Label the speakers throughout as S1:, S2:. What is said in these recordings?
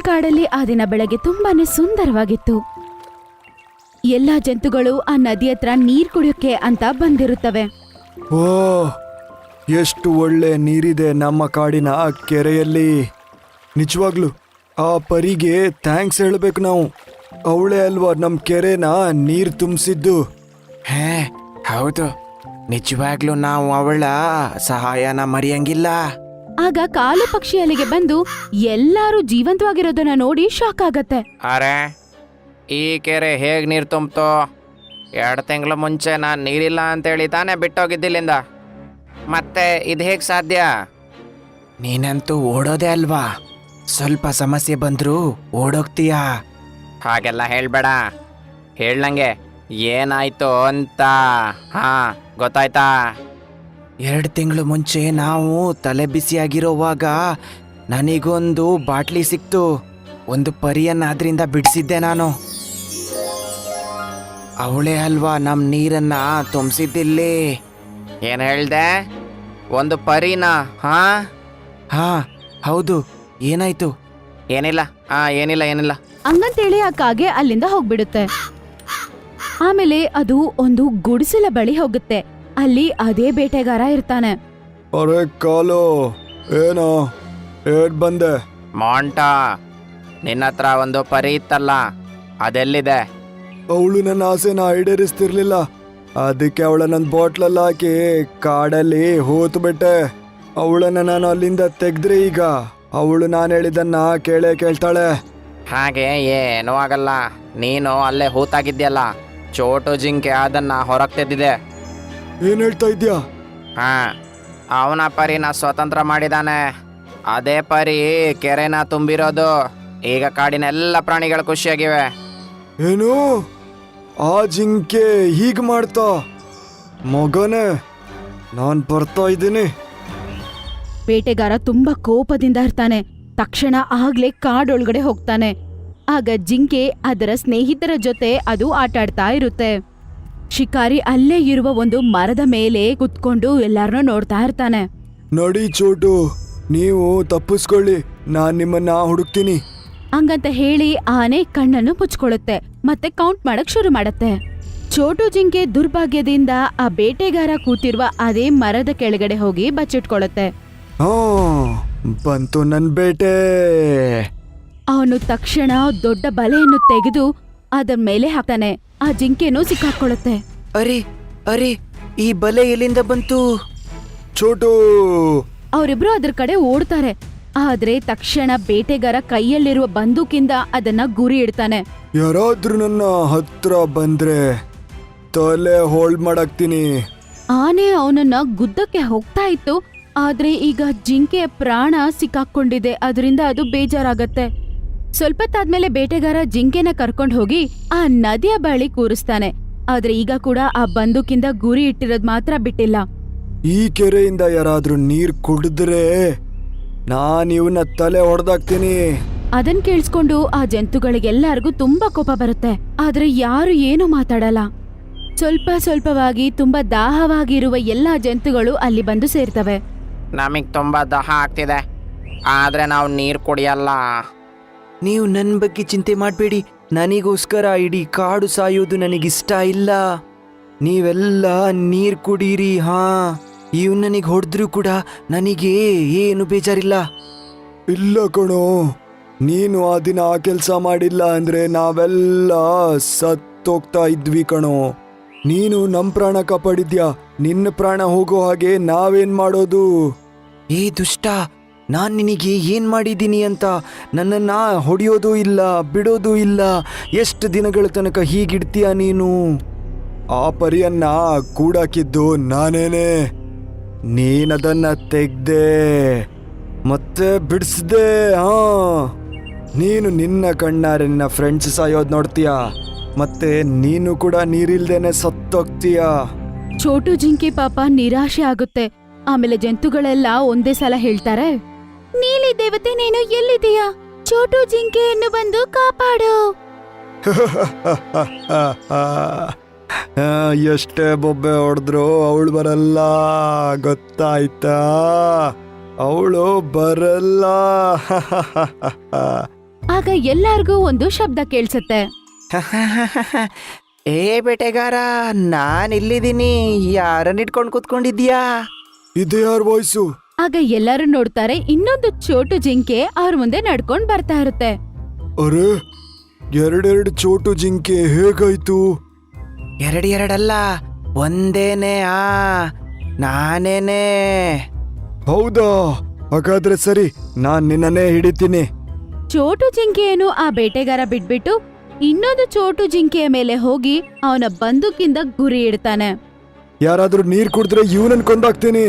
S1: ಕಾಡಲ್ಲಿ ಆ ದಿನ ಬೆಳಗ್ಗೆ ತುಂಬಾನೇ ಸುಂದರವಾಗಿತ್ತು. ಎಲ್ಲಾ ಜಂತುಗಳು ಆ ನದಿ ಹತ್ರ ನೀರ್ ಕುಡಿಯೋಕೆ ಅಂತ ಬಂದಿರುತ್ತವೆ.
S2: ಓ, ಎಷ್ಟು ಒಳ್ಳೆ ನೀರಿದೆ ನಮ್ಮ ಕಾಡಿನ ಕೆರೆಯಲ್ಲಿ. ನಿಜವಾಗ್ಲು ಆ ಪರಿಗೆ ಥ್ಯಾಂಕ್ಸ್ ಹೇಳ್ಬೇಕು ನಾವು. ಅವಳೇ ಅಲ್ವಾ ನಮ್ಮ ಕೆರೆನ ನೀರು ತುಂಬಿಸಿದ್ದು.
S3: ಹೇ ಹೌದು, ನಿಜವಾಗ್ಲೂ ನಾವು ಅವಳ ಸಹಾಯನ ಮರೆಯಂಗಿಲ್ಲ.
S1: ಆಗ ಕಾಲು ಪಕ್ಷಿ ಅಲ್ಲಿಗೆ ಬಂದು ಎಲ್ಲಾರು ಜೀವಂತವಾಗಿರೋದನ್ನ ನೋಡಿ ಶಾಕ್ ಆಗತ್ತೆ.
S3: ಅರೆ, ಈ ಕೆರೆ ಹೇಗ್ ನೀರು ತುಂಬ್ತೋ? 2 ತಿಂಗಳ ಮುಂಚೆ ನಾನು ನೀರಿಲ್ಲ ಅಂತೇಳಿ ತಾನೇ ಬಿಟ್ಟೋಗಿದ್ದಿಲ್ಲಿಂದ. ಮತ್ತೆ ಇದು ಹೇಗೆ ಸಾಧ್ಯ? ನೀನಂತೂ ಓಡೋದೇ ಅಲ್ವಾ, ಸ್ವಲ್ಪ ಸಮಸ್ಯೆ ಬಂದರೂ ಓಡೋಗ್ತೀಯಾ? ಹಾಗೆಲ್ಲ ಹೇಳ್ಬೇಡ, ಹೇಳಂಗೆ ಏನಾಯ್ತು ಅಂತ. ಹಾ, ಗೊತ್ತಾಯ್ತಾ? 2 ತಿಂಗಳು ಮುಂಚೆ ನಾವು ತಲೆ ಬಿಸಿಯಾಗಿರೋವಾಗ ನನಗೊಂದು ಬಾಟ್ಲಿ ಸಿಕ್ತು. ಒಂದು ಪರಿಯನ್ನ ಅದರಿಂದ ಬಿಡಿಸಿದ್ದೆ ನಾನು. ಅವಳೇ ಅಲ್ವಾ ನಮ್ಮ ನೀರನ್ನ ತುಂಬಿಸಿದ್ದಿಲ್ಲಿ. ಏನು ಹೇಳ್ದೆ? ಒಂದು ಪರಿನಾ? ಹಾ ಹಾ ಹೌದು. ಏನಾಯ್ತು? ಏನಿಲ್ಲ ಏನಿಲ್ಲ
S1: ಹಂಗಂತೇಳಿ ಆ ಕಾಗೆ ಅಲ್ಲಿಂದ ಹೋಗ್ಬಿಡುತ್ತೆ. ಆಮೇಲೆ ಅದು ಒಂದು ಗುಡಿಸಲ ಬಳಿ ಹೋಗುತ್ತೆ. ಅಲ್ಲಿ ಅದೇ ಬೇಟೆಗಾರ ಇರ್ತಾನೆ.
S2: ಅರೆ ಕಾಲು, ಏನೋ ಏಟ್ ಬಂದೆ?
S3: ಮಾಂಟ, ನಿನ್ನ ಹತ್ರ ಒಂದು ಪರಿ ಇತ್ತಲ್ಲ, ಅದೆಲ್ಲಿದೆ?
S2: ಅವಳು ನನ್ನ ಆಸೆನ ಈಡೇರಿಸ್ತಿರ್ಲಿಲ್ಲ, ಅದಕ್ಕೆ ಅವಳ ನನ್ನ ಬಾಟ್ಲಲ್ಲಿ ಹಾಕಿ ಕಾಡಲ್ಲಿ ಹೂತು ಬಿಟ್ಟೆ. ಅವಳನ್ನ ನಾನು ಅಲ್ಲಿಂದ ತೆಗೆದ್ರೆ ಈಗ ಅವಳು ನಾನು ಹೇಳಿದ್ದನ್ನ ಕೇಳ್ತಾಳೆ.
S3: ಹಾಗೆ ಏನೂ ಆಗಲ್ಲ, ನೀನು ಅಲ್ಲೇ ಹೂತಾಗಿದ್ಯಲ್ಲ. ಚೋಟು ಜಿಂಕೆ ಅದನ್ನ ಹೊರಗೆ ತೆದ್ದಿದೆ.
S2: ಏನ್ ಹೇಳ್ತಾ ಇದ್ಯಾ?
S3: ಹಾ, ಅವನ ಪರಿನ ಸ್ವತಂತ್ರ ಮಾಡಿದಾನೆ. ಅದೇ ಪರಿ ಕೆರೆನ ತುಂಬಿರೋದು. ಈಗ ಕಾಡಿನ ಎಲ್ಲ ಪ್ರಾಣಿಗಳು ಖುಷಿಯಾಗಿವೆ.
S2: ಏನು, ಆ ಜಿಂಕೆ ಹೀಗ್ ಮಾಡ್ತಾ? ಮಗನೇ, ನಾನ್ ಬರ್ತಾ ಇದ್ದೀನಿ.
S1: ಬೇಟೆಗಾರ ತುಂಬಾ ಕೋಪದಿಂದ ಇರ್ತಾನೆ. ತಕ್ಷಣ ಆಗ್ಲೇ ಕಾಡೊಳಗಡೆ ಹೋಗ್ತಾನೆ. ಆಗ ಜಿಂಕೆ ಅದರ ಸ್ನೇಹಿತರ ಜೊತೆ ಅದು ಆಟಾಡ್ತಾ ಇರುತ್ತೆ. ಶಿಕಾರಿ ಅಲ್ಲೇ ಇರುವ ಒಂದು ಮರದ ಮೇಲೆ ಕುತ್ಕೊಂಡು ಎಲ್ಲಾರನ್ನೂ ನೋಡ್ತಾ ಇರ್ತಾನೆ.
S2: ನಡಿ ಚೋಟು, ನೀವು ತಪ್ಪಿಸ್ಕೊಳ್ಳಿ, ನಾನ್ ನಿಮ್ಮನ್ನ ಹುಡುಕ್ತೀನಿ.
S1: ಹಂಗಂತ ಹೇಳಿ ಆನೆ ಕಣ್ಣನ್ನು ಮುಚ್ಕೊಳ್ಳುತ್ತೆ ಮತ್ತೆ ಕೌಂಟ್ ಮಾಡಕ್ ಶುರು ಮಾಡತ್ತೆ. ಚೋಟು ಜಿಂಕೆ ದುರ್ಭಾಗ್ಯದಿಂದ ಆ ಬೇಟೆಗಾರ ಕೂತಿರುವ ಅದೇ ಮರದ ಕೆಳಗಡೆ ಹೋಗಿ ಬಚ್ಚಿಟ್ಕೊಳ್ಳುತ್ತೆ.
S2: ಹಾ, ಬಂತು ನನ್ ಬೇಟೆ.
S1: ಅವನು ತಕ್ಷಣ ದೊಡ್ಡ ಬಲೆಯನ್ನು ತೆಗೆದು ಅದರ ಮೇಲೆ ಹಾಕ್ತಾನೆ. ಆ ಜಿಂಕೆನೂ ಸಿಕ್ಕಾಕೊಳ್ಳುತ್ತೆ.
S3: ಅರೆ ಅರೆ, ಈ ಬಲೆ ಎಲ್ಲಿಂದ ಬಂತು?
S2: ಚೋಟು,
S1: ಅವರಿಬ್ರು ಅದ್ರ ಕಡೆ ಓಡ್ತಾರೆ. ಆದ್ರೆ ತಕ್ಷಣ ಬೇಟೆಗಾರ ಕೈಯಲ್ಲಿರುವ ಬಂದೂಕಿಂದ ಅದನ್ನ ಗುರಿ ಇಡ್ತಾನೆ.
S2: ಯಾರಾದ್ರೂ ನನ್ನ ಹತ್ರ ಬಂದ್ರೆ ತಲೆ ಹೋಲ್ಡ್ ಮಾಡಾಕ್ತೀನಿ.
S1: ಆನೆ ಅವನನ್ನ ಗುದ್ದಕ್ಕೆ ಹೋಗ್ತಾ ಇತ್ತು. ಆದ್ರೆ ಈಗ ಜಿಂಕೆಯ ಪ್ರಾಣ ಸಿಕ್ಕಾಕೊಂಡಿದೆ. ಅದರಿಂದ ಅದು ಬೇಜಾರಾಗತ್ತೆ. ಸ್ವಲ್ಪ ತಾದ್ಮೇಲೆ ಬೇಟೆಗಾರ ಜಿಂಕೆನ ಕರ್ಕೊಂಡು ಹೋಗಿ ಆ ನದಿಯ ಬಳಿ ಕೂರಿಸ್ತಾನೆ. ಆದ್ರೆ ಈಗ ಕೂಡ ಆ ಬಂದೂಕಿಂದ ಗುರಿ ಇಟ್ಟಿರೋದ್ ಮಾತ್ರ ಬಿಟ್ಟಿಲ್ಲ.
S2: ಈ ಕೆರೆಯಿಂದ ಯಾರಾದ್ರೂ ನೀರ್ ಕುಡಿದ್ರೆ ನಾನ್ ಇವನ್ನ ತಲೆ ಹೊಡೆದಾಕ್ತೀನಿ.
S1: ಅದನ್ ಕೇಳಿಸ್ಕೊಂಡು ಆ ಜಂತುಗಳಿಗೆಲ್ಲರಿಗೂ ತುಂಬಾ ಕೋಪ ಬರುತ್ತೆ. ಆದ್ರೆ ಯಾರು ಏನು ಮಾತಾಡಲ್ಲ. ಸ್ವಲ್ಪವಾಗಿ ತುಂಬಾ ದಾಹವಾಗಿರುವ ಎಲ್ಲಾ ಜಂತುಗಳು ಅಲ್ಲಿ ಬಂದು ಸೇರ್ತವೆ.
S3: ನಮಗ್ ತುಂಬಾ ದಾಹ ಆಗ್ತಿದೆ, ಆದ್ರೆ ನಾವು ನೀರು ಕುಡಿಯಲ್ಲ. ನೀವು ನನ್ನ ಬಗ್ಗೆ ಚಿಂತೆ ಮಾಡಬೇಡಿ. ನನಗೋಸ್ಕರ ಇಡೀ ಕಾಡು ಸಾಯೋದು ನನಗಿಷ್ಟ ಇಲ್ಲ. ನೀವೆಲ್ಲ ನೀರು ಕುಡೀರಿ. ಹಾ, ಇವ್ ನನಗೆ ಹೊಡೆದ್ರು ಕೂಡ ನನಗೆ ಏನು ಬೇಜಾರಿಲ್ಲ.
S2: ಇಲ್ಲ ಕಣೋ, ನೀನು ಆ ದಿನ ಆ ಕೆಲಸ ಮಾಡಿಲ್ಲ ಅಂದ್ರೆ ನಾವೆಲ್ಲ ಸತ್ತೋಗ್ತಾ ಇದ್ವಿ ಕಣೋ. ನೀನು ನಮ್ ಪ್ರಾಣ ಕಾಪಾಡಿದ್ಯಾ, ನಿನ್ನ ಪ್ರಾಣ ಹೋಗೋ ಹಾಗೆ ನಾವೇನ್ ಮಾಡೋದು?
S3: ಏ ದುಷ್ಟ, ನಾನ್ ನಿನಗೆ ಏನ್ ಮಾಡಿದ್ದೀನಿ ಅಂತ ನನ್ನನ್ನ ಹೊಡೆಯೋದು ಇಲ್ಲ, ಬಿಡೋದು ಇಲ್ಲ. ಎಷ್ಟು ದಿನಗಳ ತನಕ ಹೀಗಿಡ್ತೀಯ ನೀನು?
S2: ಆ ಪರಿಯನ್ನ ಕೂಡಾಕಿದ್ದು ನಾನೇನೆ. ನೀನದನ್ನ ತೆಗ್ದೆ ಮತ್ತೆ ಬಿಡಿಸ್ದೆ. ಹಾ, ನೀನು ನಿನ್ನ ಕಣ್ಣಾರೆ ನಿನ್ನ ಫ್ರೆಂಡ್ಸ್ ಸಾಯೋದ್ ನೋಡ್ತೀಯ, ಮತ್ತೆ ನೀನು ಕೂಡ ನೀರಿಲ್ದೇನೆ ಸತ್ತೋಗ್ತೀಯ.
S1: ಚೋಟು ಜಿಂಕೆ ಪಾಪ ನಿರಾಶೆ ಆಗುತ್ತೆ. ಆಮೇಲೆ ಜಂತುಗಳೆಲ್ಲ ಒಂದೇ ಸಲ ಹೇಳ್ತಾರೆ, ನೀಲಿ ದೇವತೆ ನೀನು ಎಲ್ಲಿದೀಯಾ? ಚೋಟು ಜಿಂಕೆಯನ್ನು ಬಂದು ಕಾಪಾಡು.
S2: ಎಷ್ಟೇ ಬೊಬ್ಬೆ ಹೊಡೆದ್ರು ಅವಳು ಬರಲ್ಲ, ಗೊತ್ತಾಯ್ತಾ? ಅವಳು ಬರಲ್ಲ.
S1: ಆಗ ಎಲ್ಲಾರ್ಗೂ ಒಂದು ಶಬ್ದ ಕೇಳ್ಸತ್ತೆ.
S3: ಏ ಬೇಟೆಗಾರ, ನಾನ್ ಇಲ್ಲಿದ್ದೀನಿ. ಯಾರನ್ನ ಇಟ್ಕೊಂಡು ಕೂತ್ಕೊಂಡಿದ್ಯಾ?
S2: ಇದು ಯಾರ ವಾಯ್ಸು?
S1: ಆಗ ಎಲ್ಲರೂ ನೋಡ್ತಾರೆ, ಇನ್ನೊಂದು ಚೋಟು ಜಿಂಕೆ ಅವ್ರ ಮುಂದೆ ನಡ್ಕೊಂಡ್ ಬರ್ತಾ ಇರುತ್ತೆ.
S2: ಅರೆ, ಎರಡೆರಡು ಚೋಟು ಜಿಂಕೆ ಹೇಗಾಯ್ತು?
S3: ಎರಡಲ್ಲ, ಒಂದೇನೆ. ನಾನೇನೆ.
S2: ಹೌದಾ? ಹಾಗಾದ್ರೆ ಸರಿ, ನಾನ್ ನಿನ್ನನ್ನೇ ಹಿಡಿತೀನಿ.
S1: ಚೋಟು ಜಿಂಕೆಯನ್ನು ಆ ಬೇಟೆಗಾರ ಬಿಟ್ಬಿಟ್ಟು ಇನ್ನೊಂದು ಚೋಟು ಜಿಂಕೆಯ ಮೇಲೆ ಹೋಗಿ ಅವನ ಬಂದೂಕಿಂದ ಗುರಿ ಇಡ್ತಾನೆ.
S2: ಯಾರಾದ್ರೂ ನೀರ್ ಕುಡಿದ್ರೆ ಇವನನ್ ಕೊಂದಾಕ್ತೀನಿ.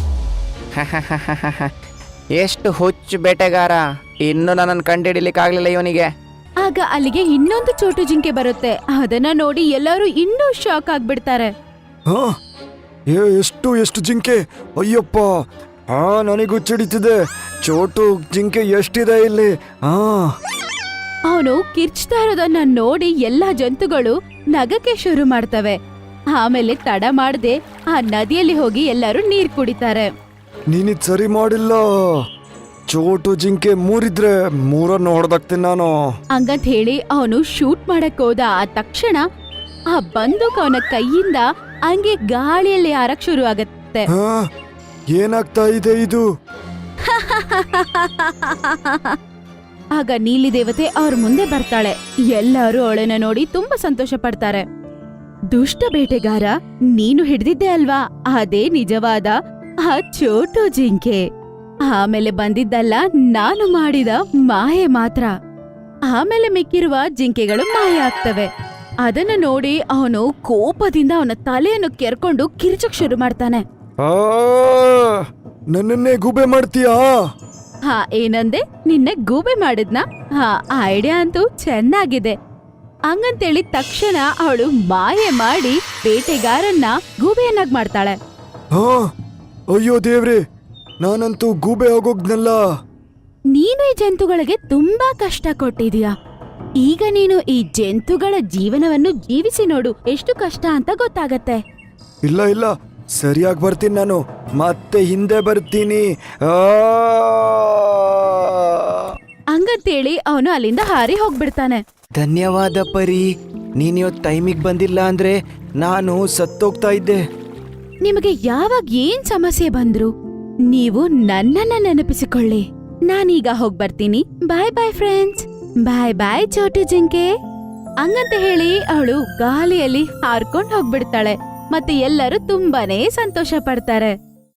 S3: ಎಷ್ಟು ಹುಚ್ಚು ಬೇಟೆಗಾರ, ಇನ್ನು ನನ್ನನ್ನು ಕಂಡಿಡಿಲಿಕ್ಕಾಗ್ಲಿಲ್ಲ ಇವನಿಗೆ.
S1: ಆಗ ಅಲ್ಲಿಗೆ ಇನ್ನೊಂದು ಚೋಟು ಜಿಂಕೆ ಬರುತ್ತೆ. ಅದನ್ನ ನೋಡಿ ಎಲ್ಲರೂ ಇನ್ನೂ ಶಾಕ್ ಆಗ್ಬಿಡ್ತಾರೆ.
S2: ಹಾ, ಎಷ್ಟು ಜಿಂಕೆ! ಅಯ್ಯಪ್ಪ, ನನಗೆ ಹುಚ್ಚಿಡಿತಿದೆ. ಚೋಟು ಜಿಂಕೆ ಎಷ್ಟಿದೆ ಇಲ್ಲಿ?
S1: ಅವನು ಕಿರ್ಚ್ತಾ ಇರೋದನ್ನ ನೋಡಿ ಎಲ್ಲಾ ಜಂತುಗಳು ನಗಕ್ಕೆ ಶುರು ಮಾಡ್ತವೆ. ಆಮೇಲೆ ತಡ ಮಾಡದೆ ಆ ನದಿಯಲ್ಲಿ ಹೋಗಿ ಎಲ್ಲರೂ ನೀರ್ ಕುಡಿತಾರೆ.
S2: ನೀನಿದ್ ಸರಿ ಮಾಡಿಲ್ಲ. ಚೋಟು ಜಿಂಕೆ ಮೂರಿದ್ರೆ ಮೂರನ್ನು ಹೊಡೆದಾಕ್ತೀನಿ ನಾನು.
S1: ಹಂಗಂತ ಹೇಳಿ ಅವನು ಶೂಟ್ ಮಾಡಕ್ ಹೋದ. ಆ ತಕ್ಷಣ ಆ ಬಂದೂಕ್ ಅವನ ಕೈಯಿಂದ ಹಂಗೆ ಗಾಳಿಯಲ್ಲಿ ಹಾರಕ್ ಶುರು ಆಗತ್ತೆ.
S2: ಏನಾಗ್ತಾ ಇದೆ ಇದು?
S1: ಆಗ ನೀಲಿ ದೇವತೆ ಅವ್ರ ಮುಂದೆ ಬರ್ತಾಳೆ. ಎಲ್ಲರೂ ಅವಳನ್ನ ನೋಡಿ ತುಂಬಾ ಸಂತೋಷ ಪಡ್ತಾರೆ. ದುಷ್ಟ ಬೇಟೆಗಾರ, ನೀನು ಹಿಡ್ದಿದ್ದೆ ಅಲ್ವಾ ಅದೇ ನಿಜವಾದ ಆ ಚೋಟು ಜಿಂಕೆ. ಆಮೇಲೆ ಬಂದಿದ್ದಲ್ಲ ನಾನು ಮಾಡಿದ ಮಾಯೆ ಮಾತ್ರ. ಆಮೇಲೆ ಮಿಕ್ಕಿರುವ ಜಿಂಕೆಗಳು ಮಾಯ ಆಗ್ತವೆ. ಅದನ್ನ ನೋಡಿ ಅವನು ಕೋಪದಿಂದ ಅವನ ತಲೆಯನ್ನು ಕೆರ್ಕೊಂಡು ಕಿರ್ಚಕ್ ಶುರು ಮಾಡ್ತಾನೆ.
S2: ನನ್ನನ್ನೇ ಗೂಬೆ ಮಾಡ್ತೀಯಾ?
S1: ಏನಂದೆ? ನಿನ್ನೆ ಗೂಬೆ ಮಾಡಿದ್ನಾ? ಐಡಿಯಾ ಅಂತೂ ಚೆನ್ನಾಗಿದೆ. ಹಂಗಂತೇಳಿ ತಕ್ಷಣ ಅವಳು ಮಾಯೆ ಮಾಡಿ ಬೇಟೆಗಾರನ್ನ ಗೂಬೆಯನ್ನಾಗಿ ಮಾಡ್ತಾಳೆ.
S2: ಅಯ್ಯೋ ದೇವ್ರೆ, ನಾನಂತೂ ಗೂಬೆ ಆಗೋಗ್ನಲ್ಲ.
S1: ನೀನು ಈ ಜಂತುಗಳಿಗೆ ತುಂಬಾ ಕಷ್ಟ ಕೊಟ್ಟಿದೀಯ. ಈಗ ನೀನು ಈ ಜಂತುಗಳ ಜೀವನವನ್ನು ಜೀವಿಸಿ ನೋಡು, ಎಷ್ಟು ಕಷ್ಟ ಅಂತ ಗೊತ್ತಾಗತ್ತೆ.
S2: ಇಲ್ಲ, ಸರಿಯಾಗಿ ಬರ್ತೀನಿ ನಾನು. ಮತ್ತೆ ಹಿಂದೆ ಬರ್ತೀನಿ.
S1: ಹಂಗಂತೇಳಿ ಅವನು ಅಲ್ಲಿಂದ ಹಾರಿ ಹೋಗ್ಬಿಡ್ತಾನೆ.
S3: ಧನ್ಯವಾದ ಪರಿ, ನೀನಿವತ್ತು ಟೈಮಿಗೆ ಬಂದಿಲ್ಲ ಅಂದ್ರೆ ನಾನು ಸತ್ತೋಗ್ತಾ ಇದ್ದೆ.
S1: ನಿಮಗೆ ಯಾವಾಗ ಏನ್ ಸಮಸ್ಯೆ ಬಂದ್ರು ನೀವು ನನ್ನನ್ನ ನೆನಪಿಸಿಕೊಳ್ಳಿ. ನಾನೀಗ ಹೋಗ್ಬರ್ತೀನಿ. ಬಾಯ್ ಬಾಯ್ ಫ್ರೆಂಡ್ಸ್. ಬಾಯ್ ಚೋಟು ಜಿಂಕೆ. ಹಂಗಂತ ಹೇಳಿ ಅವಳು ಗಾಳಿಯಲ್ಲಿ ಹಾರ್ಕೊಂಡ್ ಹೋಗ್ಬಿಡ್ತಾಳೆ. ಮತ್ತೆ ಎಲ್ಲರೂ ತುಂಬಾನೇ ಸಂತೋಷ ಪಡ್ತಾರೆ.